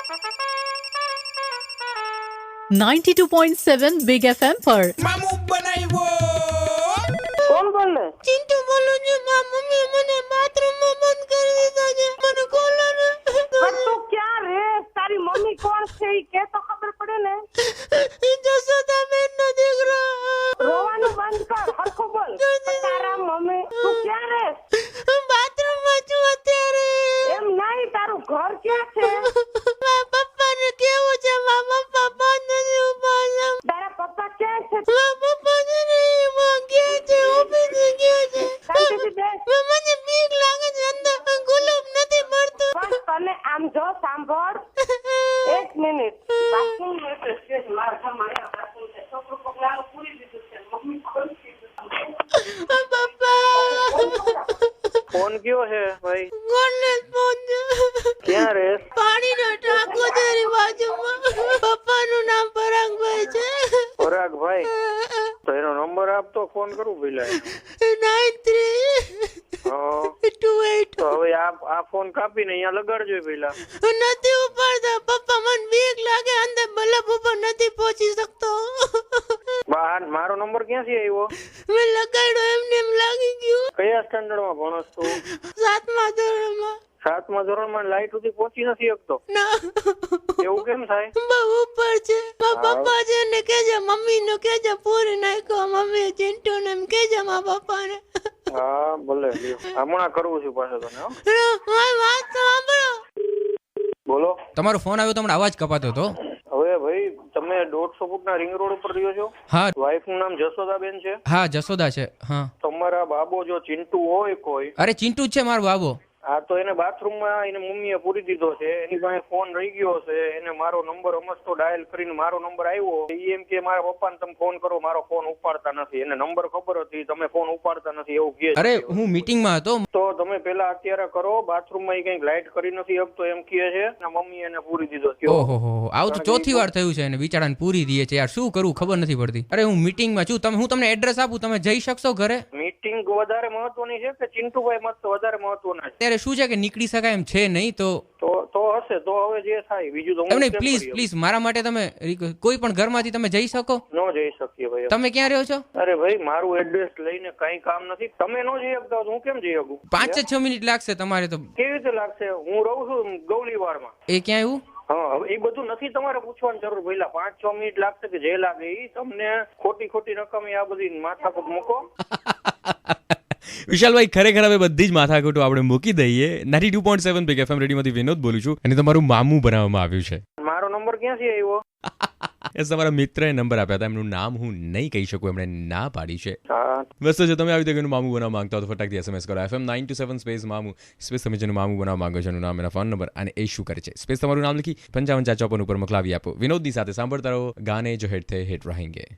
92.7 big FM पर मामू बनाइवो। કોણ બોલે? ચિંટુ બોલું છું. મારા મમ્મી મને બાથરૂમમાં બંધ કરી દીધા છે. મને ખોલો ને. પણ તું ક્યાં રે? તારી મમ્મી કોણ છે ઈ કે તો ખબર પડે ને. જશોદાબેનનો દીકરો. રોવાનું બંધ કર, હરખું બોલ. તારા મમ્મી તું ક્યાં રે? બાથરૂમમાં છું અત્યારે. એમ નહીં, તારું ઘર ક્યાં છે? મારા પપ્પાને કેવું છે? મારા પપ્પા બંધ નથી ઉભા. તારા પપ્પા ક્યાં છે? મારા પપ્પા છે ને એમાં ગયા છે, ઓફિસે ગયા છે. શાંતિથી બેસ. મને બીક લાગે છે, અંદર ગુલાબ નથી મળતું. પણ તને આમ જો સાંભળ, એક મિનિટ. બાથરૂમ છે, મારા ઘરમાં અહીંયા બાથરૂમ છે. છોકરું પગલાનું પૂરી દીધું છે, મમ્મી ખોલી દીધું. પપ્પા ફોન કયો છે ભાઈ? કોને ફોન છે? ક્યાં રે? પાણીનો ટાંકો છે એની બાજુમાં. પપ્પાનું નામ પરાગભાઈ છે. પરાગભાઈ? તો એનો નંબર આપતો, ફોન કરું પેલા. 9328. તો હવે આ ફોન કાપીને અહીંયા લગાડજો પેલા. નથી ઉપાડતા પપ્પા, મને બીક લાગે. અંદર બલ્બ ઉપર નથી પહોંચી શકતો. મારો નંબર ક્યાંથી આવ્યો? મેં લગાડ્યો એમને એમ લાગી ગયું. કયા સ્ટાન્ડર્ડમાં ભણસ તું? 7મા ધોરણમાં. 7મા ધોરણમાં લાઈટ સુધી પહોંચી નથી શકતો? ના, એવું કેમ થાય? બહુ ઉપર છે. મારા પપ્પા છે ને કેજે, મમ્મી નું કેજે પૂરી નાખ્યો. મમ્મી ચિંટુ ને એમ કેજે મારા પપ્પા ને. હા ભલે, લ્યો. હમણાં કરવું છું પાછો તને. હો, મારી વાત તો સાંભળો. બોલો. તમારો ફોન આવ્યો તો હમણાં અવાજ કપાતો હતો. હવે ભાઈ તમે 150 ફૂટના રિંગ રોડ ઉપર રહ્યો છો? હા વાઈફ નું નામ જશોદાબેન છે? હા જશોદા છે. હા તમારા બાબો જો ચિંટુ હોય કોઈ, અરે ચિંટુ જ છે મારો બાબો. હા તો એને બાથરૂમમાં એને મમ્મીએ પૂરી દીધો છે. એની પાસે ફોન રહી ગયો છે. એને મારો નંબર અમસ્તો ડાયલ કરીને મારો નંબર આવ્યો. એ એમ કે મારા પપ્પાને તમે ફોન કરો, મારો ફોન ઉપાડતા નથી. એને નંબર ખબર હતી, તમે ફોન ઉપાડતા નથી એવું કહે છે. અરે હું મીટિંગમાં હતો. તો તમે પેલા અત્યારે કરો. બાથરૂમમાં એ કઈક લાઈટ કરી નથી શકતો એમ કહે છે. મમ્મી એને પૂરી દીધો છે. ઓહો હો, આવું તો ચોથી વાર થયું છે. એને બિચારાને પૂરી દે છે યાર, શું કરું ખબર નથી પડતી. અરે હું મીટિંગમાં છું. હું તમને એડ્રેસ આપું, તમે જઈ શકશો ઘરે? મીટિંગ વધારે મહત્વની છે કે ચિંટુભાઈ મત વધારે મહત્વના છે? અત્યારે શું છે કે નીકળી શકાય એમ છે નહીં. તો હશે તો હવે જે થાય બીજું તો એમ નહીં, પ્લીઝ મારા માટે તમે કોઈ પણ ઘરમાંથી તમે જઈ શકો? ન જઈ શકીએ ભાઈ. તમે ક્યાં રહ્યો છો? અરે ભાઈ મારું એડ્રેસ લઈને કઈ કામ નથી. તમે ન જઈ શકતા હું કેમ જઈ શકું? 5-6 મિનિટ લાગશે તમારે તો. કેવી રીતે લાગશે? હું રહું છું ગૌલીવાડમાં. એ ક્યાં આવ્યું? હા, હવે એ બધું નથી તમારે પૂછવાની જરૂર. પહેલા 5-6 મિનિટ લાગશે કે જે લાગે એ તમને ખોટી રકમ આ બધી માથાકૂટ મૂકો. વિશાલભાઈ ખરેખર હવે બધી જ માથાકૂટો આપણે મૂકી દઈએ. 92.7 બિગ એફએમ રેડિયોમાંથી વિનોદ બોલું છું અને તમારું મામું બનાવવામાં આવ્યું છે. મારો નંબર ક્યાંથી આવ્યો? તમારા મિત્રએ નંબર આપ્યા હતા. એમનું નામ હું નહીં કહી શકું, એમણે ના પાડી છે. હા બસ તો જો તમે આવી રીતે મામું બનાવવા માંગતા હો તો ફટાકથી SMS કરો FM 927 સ્પેસ મામું સ્પેસ. તમે જેનું મામું બનાવવા માંગો છો એનું નામ, એના ફોન નંબર અને એ શું કરે છે સ્પેસ તમારું નામ લખી 555454 ઉપર મોકલાવી આપો. વિનોદની સાથે સાંભળતા રહો ગાને જો હિટ થે હિટ રહેંગે.